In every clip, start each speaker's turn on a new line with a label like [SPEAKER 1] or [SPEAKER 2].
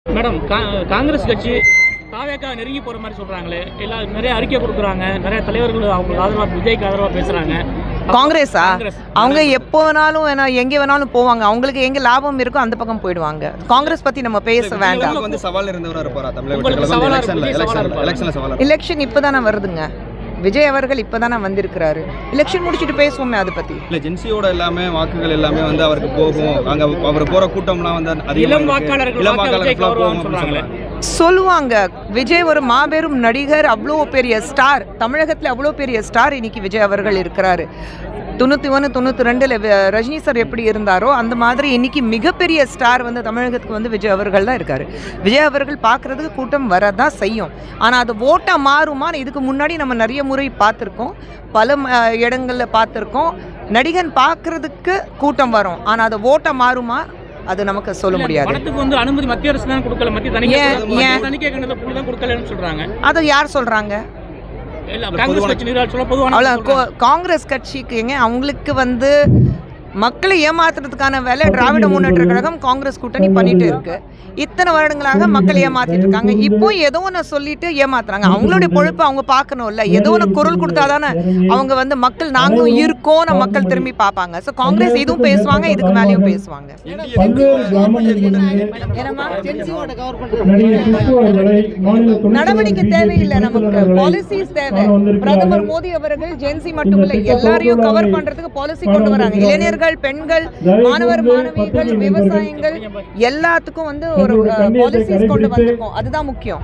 [SPEAKER 1] Madam Congress கட்சி தாவேக்கா நெருங்கி போகிற மாதிரி சொல்கிறாங்களே, எல்லாம் நிறைய அறிக்கை கொடுக்குறாங்க, நிறைய தலைவர்கள் அவங்களுக்கு ஆதரவாக விஜய்க்கு ஆதரவாக பேசுகிறாங்க.
[SPEAKER 2] காங்கிரஸா? அவங்க எப்போ வேணாலும் எங்கே வேணாலும் போவாங்க. அவங்களுக்கு எங்கே லாபம் இருக்கோ அந்த பக்கம் போயிடுவாங்க. காங்கிரஸ் பற்றி நம்ம பேச வேண்டாம். எலெக்ஷன் இப்போ தானே வருதுங்க. விஜய் அவர்கள் இப்போ தானே வந்திருக்கிறாரு. எலெக்ஷன் முடிச்சுட்டு பேசுவோமே அதை பற்றி.
[SPEAKER 3] இல்லை, ஜென்சியோட எல்லாமே வாக்குகள் எல்லாமே வந்து அவருக்கு போகும். அங்கே அவர் போகிற கூட்டம்லாம் வந்து
[SPEAKER 1] இளம் வாக்காளர்கள்
[SPEAKER 2] சொல்லுவாங்க. விஜய் ஒரு மாபெரும் நடிகர், அவ்வளோ பெரிய ஸ்டார், தமிழகத்தில் அவ்வளோ பெரிய ஸ்டார் இன்னைக்கு விஜய் அவர்கள் இருக்கிறாரு. 91, 92 ரஜினி சார் எப்படி இருந்தாரோ அந்த மாதிரி இன்னைக்கு மிகப்பெரிய ஸ்டார் வந்து தமிழகத்துக்கு வந்து விஜய் அவர்கள் தான் இருக்காரு. விஜய் அவர்கள் பார்க்குறதுக்கு கூட்டம் வரதான் செய்யும். ஆனால் அது ஓட்டாக மாறுமா? இதுக்கு முன்னாடி நம்ம நிறைய முறை பார்த்துருக்கோம், பல இடங்களில் பார்த்துருக்கோம். நடிகன் பார்க்குறதுக்கு கூட்டம் வரும், ஆனால் அது ஓட்டாக மாறுமா? அது நமக்கு சொல்ல முடியாது.
[SPEAKER 1] வந்து அனுமதி மத்திய அரசு தான் கொடுக்கல, மத்திய தணிக்கை கொடுக்கலன்னு சொல்றாங்க.
[SPEAKER 2] அதை யார் சொல்றாங்க? காங்கிரஸ் கட்சிக்கு அவங்களுக்கு வந்து மக்களை ஏமாத்துறதுக்கான வேலை திராவிட முன்னேற்ற கழகம் காங்கிரஸ் கூட்டணி பண்ணிட்டு இருக்கு. இத்தனை வருடங்களாக மக்களை ஏமாத்திட்டு இருக்காங்க. இப்போ ஏதோ ஒன்று சொல்லிட்டு ஏமாத்துறாங்க. அவங்களுடைய பொழுப்பு அவங்க பார்க்கணும்ல. ஏதோ ஒன்று குரல் கொடுத்தாதானே அவங்க வந்து மக்கள் நாங்களும் இருக்கோம் மக்கள் திரும்பி பார்ப்பாங்க. ஸோ காங்கிரஸ் இதுவும் பேசுவாங்க, இதுக்கு மேலேயும் பேசுவாங்க. நடவடிக்கை தேவையில்லை, நமக்கு பாலிசிஸ் தேவை. பிரதமர் மோடி அவர்கள் ஜென்சி மட்டும் இல்லை, எல்லாரையும் கவர் பண்றதுக்கு பாலிசி கொண்டு வராங்க. இளைஞர்கள், பெண்கள், மாணவர் மாணவிகள், விவசாயிகள் எல்லாத்துக்கும் வந்து ஒரு பாலிசிஸ் கொண்டு வந்திருக்கோம். அதுதான் முக்கியம்.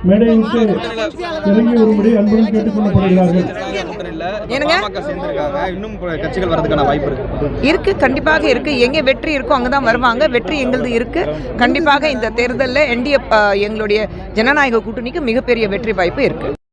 [SPEAKER 2] இருக்கு, கண்டிப்பாக இருக்கு. எங்க வெற்றி இருக்கோ அங்கதான் வருவாங்க. வெற்றி எங்களது இருக்கு. கண்டிப்பாக இந்த தேர்தலில் என்டிஏ எங்களுடைய ஜனநாயக கூட்டணிக்கு மிகப்பெரிய வெற்றி வாய்ப்பு இருக்கு.